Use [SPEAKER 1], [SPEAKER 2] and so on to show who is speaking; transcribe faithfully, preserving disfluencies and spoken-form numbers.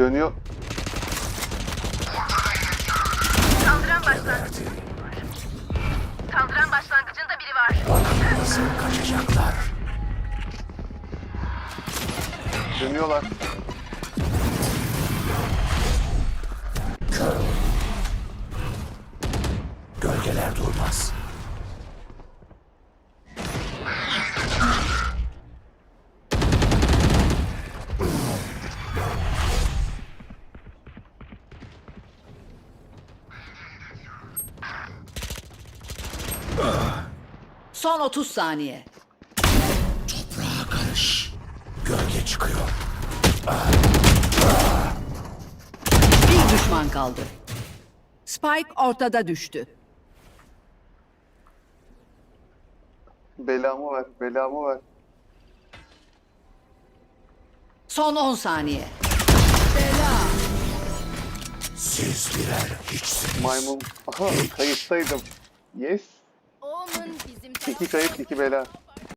[SPEAKER 1] Dönüyor.
[SPEAKER 2] Saldıran başlangıcı. Saldıran başlangıcında biri var.
[SPEAKER 3] Nasıl kaçacaklar?
[SPEAKER 1] Dönüyorlar.
[SPEAKER 3] Kör. Gölgeler durmaz.
[SPEAKER 4] Son otuz saniye.
[SPEAKER 3] Toprağa karış. Gölge çıkıyor.
[SPEAKER 4] Bir düşman kaldı. Spike ortada düştü.
[SPEAKER 1] Belamı ver. Belamı ver.
[SPEAKER 4] Son on saniye.
[SPEAKER 3] Siz birer hiçsiniz.
[SPEAKER 1] Maymun. Aha kayıttaydım. Yes.
[SPEAKER 2] Omen bizim
[SPEAKER 1] İki kayıt iki bela.